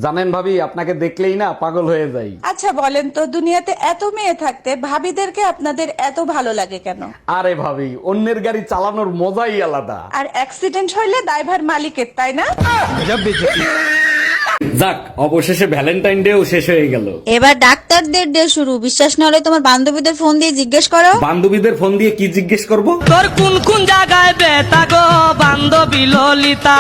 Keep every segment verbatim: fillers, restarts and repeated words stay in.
জানেন ভাবি, আপনাকে দেখলেই না পাগল হয়ে যাই। আচ্ছা বলেন তো, দুনিয়াতে এত মেয়ে থাকতে ভাবিদেরকে আপনাদের এত ভালো লাগে কেন? আরে ভাবি, অন্যের গাড়ি চালানোর মজাই আলাদা। আর অ্যাক্সিডেন্ট হইলে দায়ভার মালিকের, তাই না? যাক, অবশেষে ভ্যালেন্টাইন ডেও শেষ হয়ে গেল। এবার ডাক্তারদের ডে শুরু। বিশ্বাস না হলে তোমার বান্ধবীদের ফোন দিয়ে জিজ্ঞেস করো। বান্ধবীদের ফোন দিয়ে কি জিজ্ঞেস করব? তোর কোন কোন জায়গায় ব্যথা গো বান্ধবী ললিতা।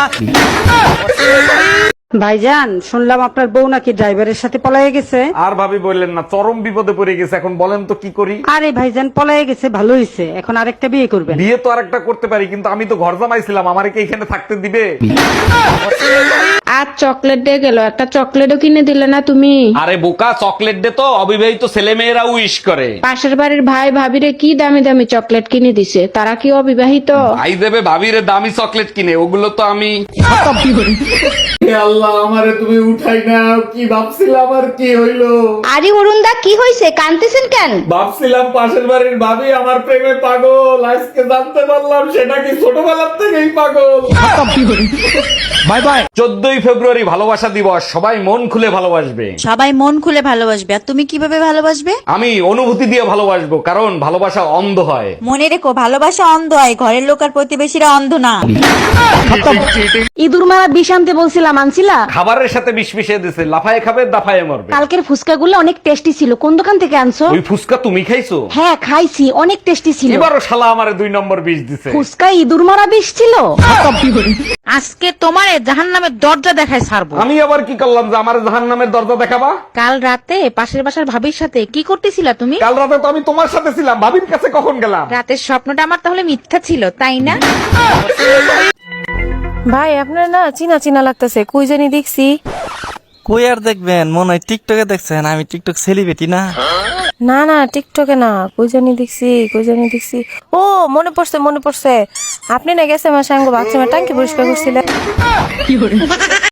ভাইজান, শুনলাম আপনার বউ নাকি ড্রাইভারের সাথে পলায়ে গেছে। আর ভাবি বললেন না, চরম বিপদে পড়ে গেছে। এখন বলেন তো কি করি? আরে ভাইজান, পলায়ে গেছে ভালো হয়েছে, এখন আরেকটা বিয়ে করবেন। বিয়ে তো আরেকটা করতে পারি, কিন্তু আমি তো ঘর জামাইছিলাম, আমারে কি এখানে থাকতে দিবে? আজ চকলেট দিয়ে গেল, একটা চকলেটও কিনে দিলে না তুমি। আরে বোকা, চকলেট দে তো অবিবাহিত ছেলে মেয়েরা উইশ করে। পাশের বাড়ির ভাই ভাবিরে কি দামি দামি চকলেট কিনে দিছে, তারা কি অবিবাহিত? ভাই দেবে ভাবিরে দামি চকলেট কিনে, ওগুলো তো আমি। হে আল্লাহ, আমারে তুমি উঠাই না। কি ভাবছিলাম আর কি হইলো? আরে অরুণদা, কি হয়েছে? কাঁদতেছেন কেন? ভাবছিলাম পাশের বাড়ির ভাবি আমার প্রেমে পাগল, আজকে জানতে পারলাম সেটা কি ছোটবেলার থেকেই পাগল। Bye bye. চোদ্দই ফেব্রুয়ারি ভালোবাসা দিবস, সবাই মন খুলে ভালোবাসবে। সবাই মন খুলে ভালোবাসবে। আর তুমি কিভাবে ভালোবাসবে? আমি অনুভূতি দিয়ে ভালোবাসবো, কারণ ভালোবাসা অন্ধ হয়। মনে রেখো, ভালোবাসা অন্ধ হয়, ঘরের লোক আর প্রতিবেশীরা অন্ধ না। ইঁদুর মারা বিষ আনতে বলছিলাম, আনছিলা? খাবারের সাথে বিষ মিশিয়ে দিছে, লাফায় খাবে দাফায় মরবে। কালকের ফুচকাগুলো অনেক টেস্টি ছিল, কোন দোকান থেকে আনছো? ওই ফুসকা তুমি খাইছো? হ্যাঁ খাইছি, অনেক টেস্টি ছিল। এবারও শালা আমারে দুই নম্বর বিষ দিছে। ফুচকায় ইঁদুর মারা বিষ ছিল। আজকে তোমারে জাহান্নামের দরজা দেখায় ছাড়বো। আমি আবার কি করলাম যে আমার জাহান্নামের দরজা দেখাবা? কাল রাতে পাশের বাসার ভাবির সাথে কি করতেছিলা তুমি? কাল রাতে তো আমি তোমার সাথে ছিলাম, ভাবির কাছে কখন গেলাম? রাতের স্বপ্নটা আমার তাহলে মিথ্যা ছিল, তাই না? ভাই, আপনার না চিনা চিনা লাগতেছে, কই জানি দেখছি। কই আর দেখবেন, মনে হয় টিকটকে দেখছেন। আমি টিকটক সেলিব্রিটি না। না না, টিকটকে না, কই জানি দেখছি, কই জানি দেখছি। ও মনে পড়ছে, মনে পড়ছে, আপনি না গেছে আমার সঙ্গে বাথরুমে টাঙ্কি পরিষ্কার করছিলেন।